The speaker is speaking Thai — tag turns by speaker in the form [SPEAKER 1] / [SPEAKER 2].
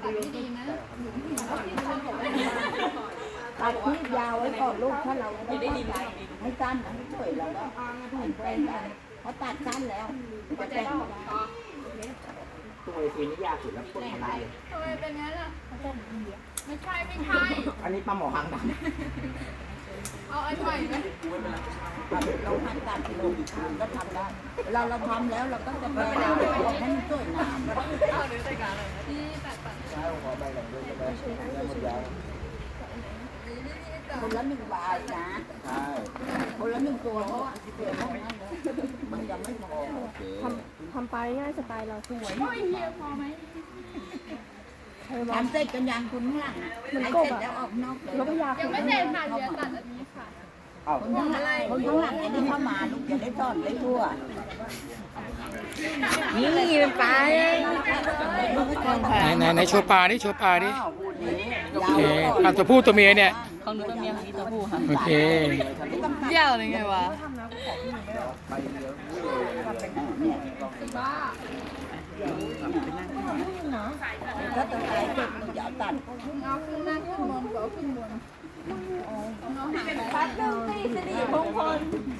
[SPEAKER 1] ตัดไม่ดีนะ
[SPEAKER 2] ตัดที่ยาวไว้ก่อนลูกถ้าเราไม่ได้ให้สั้นนะไม่สวยเราก็ให้แปลงได้เพราะตัดสั้นแล้วจะแปลงไม่ได้
[SPEAKER 3] ตัวไอซีนี่ยากสุดแล้วพ่นอะไร
[SPEAKER 1] ทำไมเป็นงั้นล่ะไม่ใช่ไม่ใช่
[SPEAKER 3] อันนี้ปลาหมอหางดำ
[SPEAKER 1] เอาอันใหม่ไหม
[SPEAKER 2] เราหันตัดลูกก็ทำได้เราทำแล้วเราก็จะแปลงให้มันสวยงาม
[SPEAKER 1] เอาหรือใส่กันเลยที่ตัด
[SPEAKER 3] ใช่ขอใบหลังด้วยใช่ไหมได้หมดแล้ว
[SPEAKER 2] คนละ1 บาทนะ
[SPEAKER 3] ใช่
[SPEAKER 2] คนละ1 ตัวเพราะว่าเปลี่ยนห้องนั้นเลยมันยังไม่พอ
[SPEAKER 3] โอเค
[SPEAKER 4] ทำไปง่ายสไตล์เราสวย
[SPEAKER 1] โอ้ยเฮียพอไหม
[SPEAKER 2] ทำเสร็จกันยังคุณข้างหลังให้เสร็จแล้วออกนอกเลย
[SPEAKER 4] แล้วก็ยา
[SPEAKER 1] ยังไม่เสร็จค่ะเดี๋ยวตัดอันนี้ค่ะ
[SPEAKER 3] อ้าว
[SPEAKER 2] คนข้างหลังจะได้เข้ามาลูกจะได้ซ่อนได้ทั่ว
[SPEAKER 4] นี่เป็นปลา
[SPEAKER 5] ไหนโชว์ปลาดิโชว์ปลาดิ
[SPEAKER 2] โอ
[SPEAKER 5] โอเคปลาตัวผู้ตัวเมียเนี่ย
[SPEAKER 2] ของหนูตัวเมียของนี้ตัวผู้ค่ะ
[SPEAKER 5] โอเค
[SPEAKER 1] เยี่ยวเลยไงวะ
[SPEAKER 3] ใบเดียว
[SPEAKER 1] บ้า
[SPEAKER 2] ถ้าตัวไหนเจ็บอย่าตัด
[SPEAKER 1] เอาขึ้นหน้าขึ้นบนก็ขึ้นบนเอาหาง
[SPEAKER 4] พัดหนึ่งตีสิริมงคล